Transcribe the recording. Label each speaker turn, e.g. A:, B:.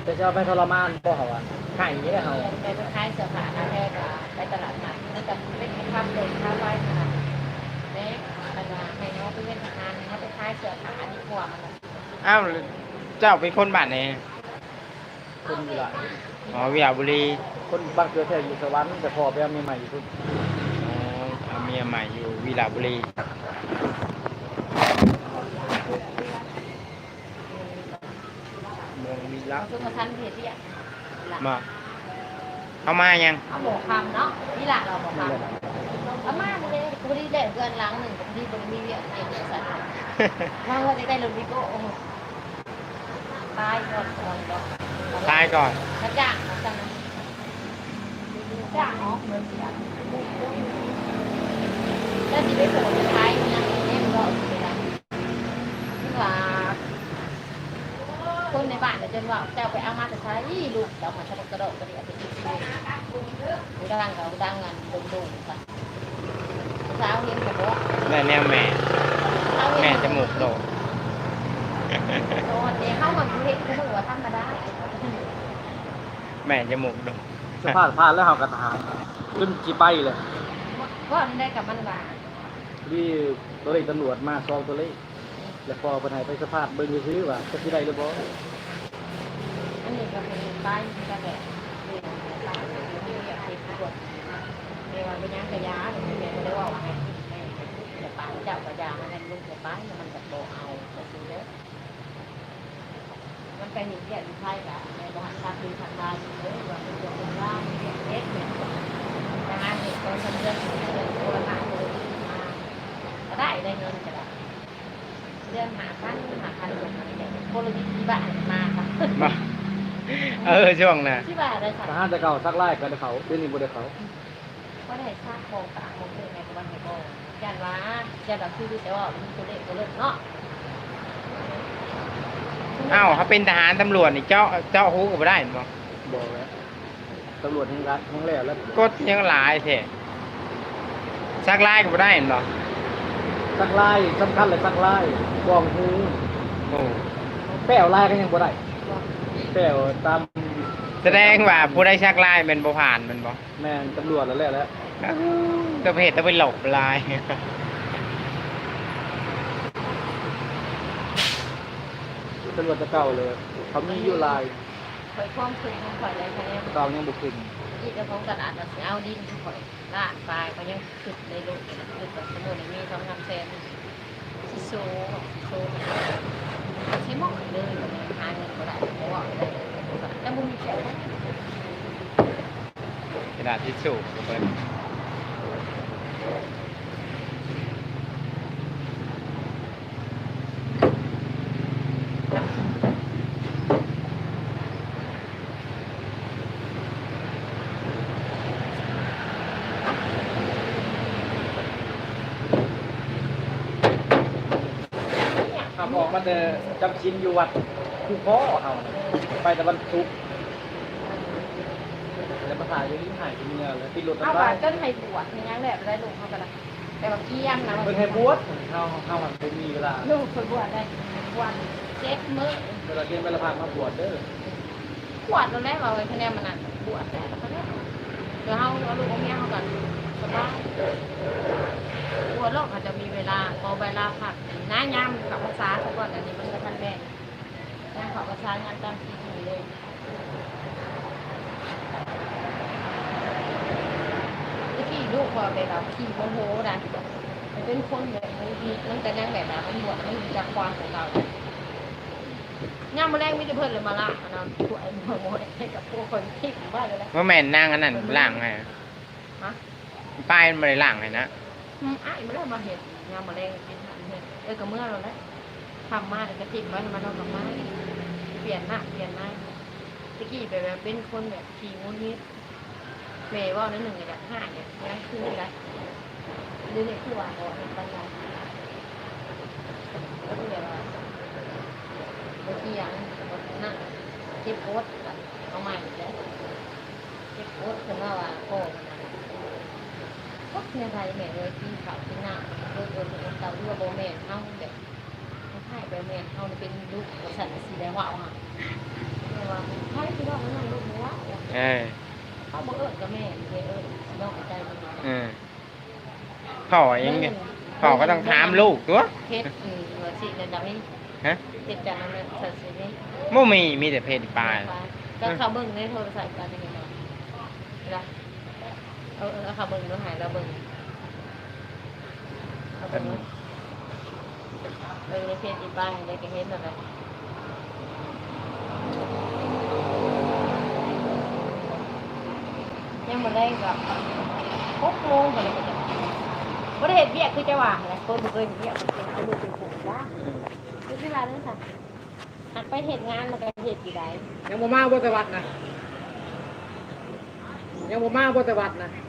A: จะเอาไปทรมานพ่อเขาอ่ะไข่เนี่ยเขา
B: ไปขายเสื้อผ้าหน้าแพร่ก็ไปตลาดนัดมันจะเล่นภาพเลยภาพไว้ขนาดเล็กขนาดให้เขาไปเล่นทำงานเขาไปขายเสื้อผ้าดีกว่ามัน
C: อ้าวเจ้าเป็นคนบ้านไหน
A: คนอยู่หลาย
C: อ๋อวิหาบุรี
A: คนบางเกลือแท้อยู่สวรรค์แต่พ่อไปเอาเมียใหม่อยู่ทุก
C: อ๋อเอาเมียใหม่อยู่วิหาบุรีเมืองวิลา
B: เราซื้อมาทันเพจที่อ่ะ
C: มาเอามายัง
B: เอาหมูคำเนาะนี่แหละเราหมูคำเอามาเลยกูได้เด็กเกินล้างหนึ่งกูได้บริมีเยอะเองสัตว์มาว่าจะได้ลงวิโก้ตายก่อนก่อนก่อน
C: ตายก่อน
B: สักอย่างนะสักนั้นจ้างอ๋อเหมือนเสียแล้วที่ไปโผล่ท้ายเนี่ยเนี่ยมันก็ไม่ได้ที่ว่าคนในบ้านจนว่าเจ้าไปเอามาแต่ใช้ลูกเจ้ามาทำกระโดดกระเดียดไปกินเลยกูดังเขาดังเงินดุงๆค่ะเช้าเห็นกับว่า
C: ได้แนวแม่แม่จมูกโด่ง
B: โดนเดี๋ยวเข้ามาดูเห็นก็หัวธรรมดา
C: แม่จมูกโด่ง
A: สภาพผ่านแล้วเขากระทานขึ้นจีไปเลย
B: ก็ได้กับมันว่า
A: ที่ตัวเลขตำรวจมาซองตัวเลขแล้วพอไปไหนไปสภาพเบิ่งซื้อว่าจะที่ใดหรือบ่
B: อันนี้ก็เป็นป้ายกระแดดเรียนป้ายที่อยากติดกดเรียกว่าเป็นยังกระยาหรือไม่ได้ว่าไงแต่ป้ายเจ้ากระยามันเป็นลูกแต่ป้ายมันจะโตเอาจะซื้อเยอะมันไปเห็นแก่ลูกไพ่ละในบ้านทางคือทางบ้านเลยว่าเป็นตัวเป็นร่างเป็นเอ็ดเนี่ยแต่งานเด็กคนทำเรื่องตัวหนักเลยมาก็ได้เงินจะได้เรื่องหาคันลงมาเนี่ยคนละที่บ้านมาค่ะ
C: มาช่วงน่ะ
B: ที่บ้านเลยค่ะ
A: ทหารจะเก่าซักไล่กันเขาเดี๋ยวนี้บ่ได้เขา
B: ก็ได้สร้างโครงการโครงเรื่องในวันนี้ก็ยันว่ายันแบบคือแต่ว่ามีตัวเลขตัวเลือกเนาะ
C: อ้าวเขาเป็นทหารตำรวจนี่เจ้าฮู้ก็บ่ได้บ่
A: บอกแล้วตำรวจแห่งรัฐแห่งแล้วแล้ว
C: กดยังหลายแท้ซักลายก็บ่ได้บ่
A: ซักไล่สำคัญเลยซักไล่กองหู
C: โอ้
A: แป้วไล่ก็ยังบ่ได้แป้วตาม
C: แสดงว่าผู้ได้ซักลายเป็นบ่ผ่านมันบ่
A: แม่นตำรวจแล้วแล้ว
C: ตัวเพจต้องไปหลบลาย
A: ตำรวจจะเก่าเลยเขามีอยู่ลาย
B: คอยคล้องคืนของข่อยเลยค่ะเนี่ย
A: เก่ายังบุกขึ้น
B: ที่เจ้าของตลาดเราเอาดินข่อยลาดปลายเขายังขึ้นในโลกขึ้นแบบสมุนมี2 3 แสนที่โซ่ใช้หม้อเลยหาเงินก็ได้เพราะว่าได้แล้วมึงมีแค่
C: กระดาษทิชชู่ก็เปิด
A: ขับออกมาแต่จำชินอยู่วัดคู่พ่อเขาไปแต่วันศุกร์แล้วมาถ่ายอยู่ที่หายที่เนี่ยแล้วที่รถ
B: เอา
A: ตำรว
B: บา
A: จ
B: ดจนให้บวชยังได้ได้ลูกเขาก็ได้แต่ว่าเกี้ยมนะ
A: เพิ่นให้บวชเข้ามันเป็นมีเวลา
B: ลูกคนบวชได้บวช7 มื้อ
A: เวลาเรียนเวลาพามาบวชเด้อ
B: บวชตอนแรกเราเลยคะแนนมันอ่ะบวชแต่แล้วก็ได้เดี๋ยวเอาลูกเอาเมียเขาก่อนสบายบวชโลกอาจจะมีเวลาพอเวลาพักน้ายามกับภาษาเขาก่อนอันนี้มันก็ทันแม่งานขอภาษางานตามที่มีเลยเมื่อกี้ลูกพอไปแบบขี่โมโหนะมันเป็นคนแบบมันแต่ยังแบบนั้นมันบวชมันมีจากความของเราย่ามมาแรงมิตรเพื่อนเลยมาละนะถวยโมโหให้กับพวกคนที่อยู่บ้านเลยแหละ
C: ว่าแม่นนั่งอันนั้นล่างให้
B: ฮะ
C: ป้ายมันบ่ได้ล่างให้นะ
B: อ้ายไม่ได้มาเห็นย่ามมาแรงกินหันเห็นกับเมื่อเราแล้วทำมาแต่กระติกไว้มาเรากับไม้เปลี่ยนหน้าตะกี้ไปแบบเป็นคนแบบขี่งุ้นนิดเมย์ว่าใน1 กับ 5เนี่ยยังคืออะไรเรื่องนี้คือว่าเราเป็นปัญญาแล้วก็เดี๋ยวบางทีอย่างนั่งเจ็บปวดเอาใหม่เลยเจ็บปวดคือว่าโอ้ก็ในไทยแม่เลยที่เขาที่หน้าโดยเต่าด้วยโบแมนเท่าแบบใช่โบแมนเท่าเป็นลูกสันสีแดงว่าวค่ะว่าใช่
C: เออ
B: เขาบ่เอิ้นกับแม่เลยเอิ้นน้องใจมัน
C: พ่อยังไงพ่อก็ต้องถามลูกตัว
B: เฮ็ดว่าสินั่นดอกนี้
C: ฮะ
B: เฮ็ดจังนั้นน่ะสัตว์สินี่
C: บ่มีแต่เพศปลา
B: ก็เขาเบิ่งในโทรศัพท์กันยังไงเนาะล่ะเอาเขาเบิ่งดูหายแล้วเบิ่งเอาเบิ่งในเพจอีป้าได้ก็เห็นแล้วแหละยังบ่ได้ก็6 โมงก็เลยก็จะบ่ได้เฮ็ดเวียกคือจะว่าแหละคนบ่เคยเฮ็ดเวียกเป็นเอามือเป็นผู้ว่าคือที่ว่านั่นค่ะหักไปเฮ็ดงานแล้วก็เฮ็ดอยู่ได้
A: ยังบ่มาบ่แต่วัดนะยังบ่มาบ่แต่วัดนะ